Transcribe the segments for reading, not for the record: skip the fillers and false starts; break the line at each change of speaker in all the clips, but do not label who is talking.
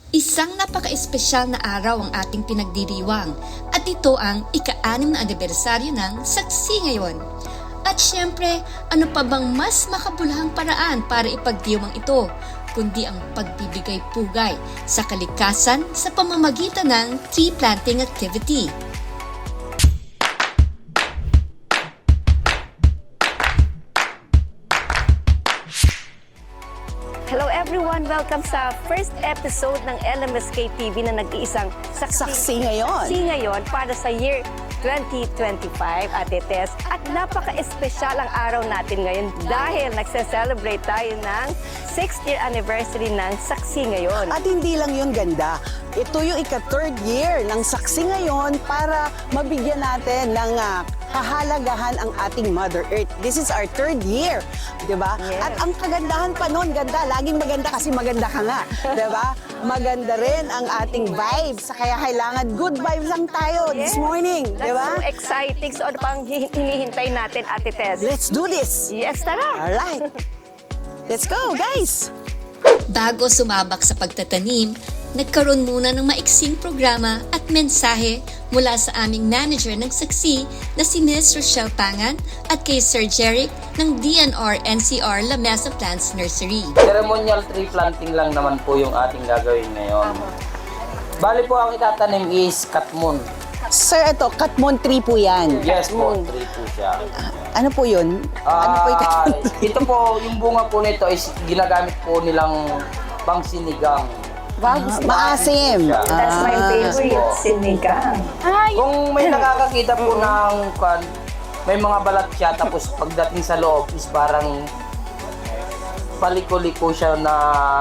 Isang napaka-espesyal na araw ang ating pinagdiriwang at ito ang ika-6 na anibersaryo ng Saksi ngayon. At syempre, ano pa bang mas makabulahang paraan para ipagdiwang ito, kundi ang pagbibigay pugay sa kalikasan sa pamamagitan ng tree planting activity.
Hello everyone! Welcome sa first episode ng LMSK TV na nag-iisang
Saksi ngayon.
Saksi ngayon para sa year 2025, Ate Tess. At napaka-espesyal ang araw natin ngayon dahil nagse-celebrate tayo ng 6th year anniversary ng Saksi ngayon.
At hindi lang yun ganda. Ito yung ika-3rd year ng Saksi ngayon para mabigyan natin ng kahalagahan ang ating Mother Earth. This is our 3rd year, di ba?
Yes.
At ang kagandahan pa noon, ganda. Laging maganda kasi maganda ka nga, di ba? Maganda rin ang ating vibes. Kaya kailangan good vibes lang tayo this morning, di ba?
That's so exciting. So ano pang hinihintay natin, Ate Tess?
Let's do this!
Yes, tara!
Alright! Let's go, guys!
Bago sumabak sa pagtatanim, nagkaroon muna ng maiksing programa at mensahe mula sa aming manager ng Saksi na si Ms. Rochelle Pangan at kay Sir Jeric ng DNR-NCR La Mesa Plants Nursery.
Ceremonial tree planting lang naman po yung ating gagawin ngayon. Bali po ang itatanim is katmon.
Sir, ito, Katmon tree po yan.
Yes po, tree po siya.
Ano po yun? Ano po yung Katmon?
Ito po, yung bunga po nito is ginagamit po nilang pangsinigang.
Wow, gusto ko.
Maasim.
That's my favorite, sinigang.
Kung may nakakakita po ng may mga balat siya, tapos pagdating sa loob is parang paliko-liko siya na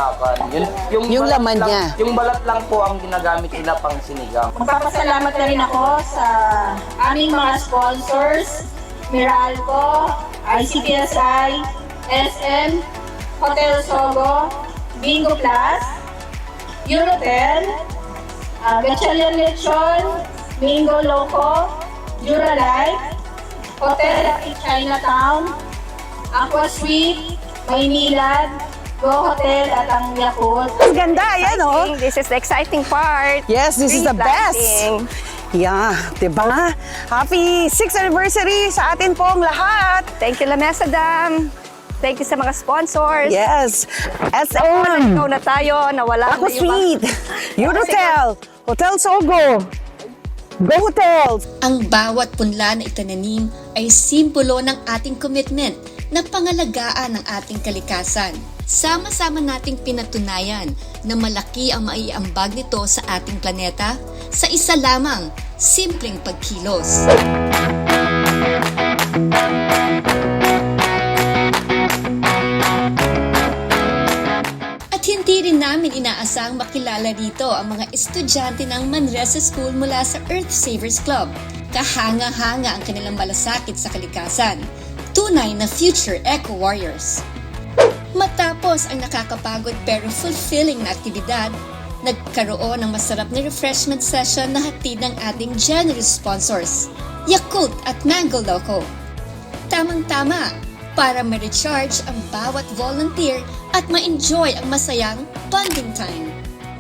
Yung
balat
laman
lang,
niya.
Yung balat lang po ang ginagamit nila pang sinigang.
Magpapasalamat na rin ako sa aming mga sponsors, Meralco, ICPSI, SM, Hotel Sogo, Bingo Plus, Eurotel, Gatchalian Lechon, Bingo Loco, Duralife, Hotel in Chinatown, Aqua Suite, Maynilad, Go Hotel at ang Yakult.
Ang ganda, ayan oh.
This is the exciting part.
Yes, this is
Tree
the best.
planting.
Yeah, diba? Happy 6th anniversary sa atin pong lahat.
Thank you, La Mesa Dam. Thank you sa mga sponsors.
Yes,
Ikaw
SM,
na tayo, nawala
Aqua
na yung
Suite, Eurotel, Hotel Sogo, Go Hotels.
Ang bawat punla na itananim ay simbolo ng ating commitment na pangalagaan ng ating kalikasan. Sama-sama nating pinatunayan na malaki ang maiambag nito sa ating planeta sa isa lamang, simpleng pagkilos. At hindi rin namin inaasang makilala rito ang mga estudyante ng Manresa School mula sa Earth Savers Club. Kahanga-hanga ang kanilang malasakit sa kalikasan. Tunay na future eco-warriors. Matapos ang nakakapagod pero fulfilling na aktibidad, nagkaroon ng masarap na refreshment session na hatid ng ating generous sponsors, Yakult at Mango Loco. Tamang-tama para ma-recharge ang bawat volunteer at ma-enjoy ang masayang bonding time.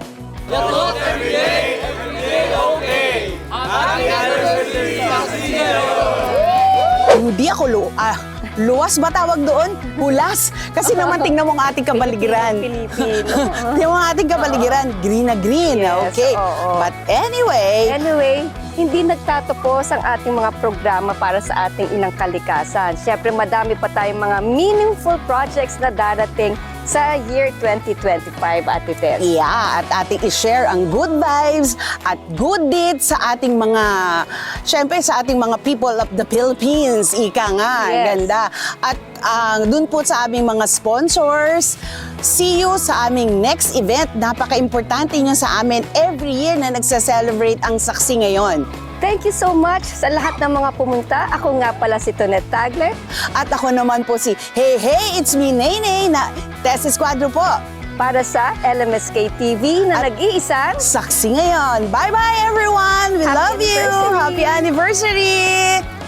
Hindi ako luwas ba tawag doon? Hulas. Kasi naman tingnan mo ang ating kabaligiran.
Pilipino.
Tingnan mo ang ating kabaligiran. Green na green.
Yes,
Okay.
oo.
But anyway,
Hindi nagtatapos ang ating mga programa para sa ating inang kalikasan. Siyempre, madami pa tayong mga meaningful projects na darating sa year 2025, Ate Tess.
yeah, at ating i-share ang good vibes at good deeds sa ating mga, syempre sa ating mga people of the Philippines. Ika nga,
Yes.
ganda. At dun po sa aming mga sponsors, see you sa aming next event. Napaka-importante nyo sa amin every year na nagsa-celebrate ang Saksi ngayon.
Thank you so much sa lahat ng mga pumunta. Ako nga pala si Tonet Tagler.
At ako naman po si Hey Hey, it's me Nene na Tess Esquadro po.
Para sa LMSK TV na
At
nag-iisang
Saksi ngayon. Bye-bye everyone. We
Happy
love you.
anniversary.
Happy anniversary.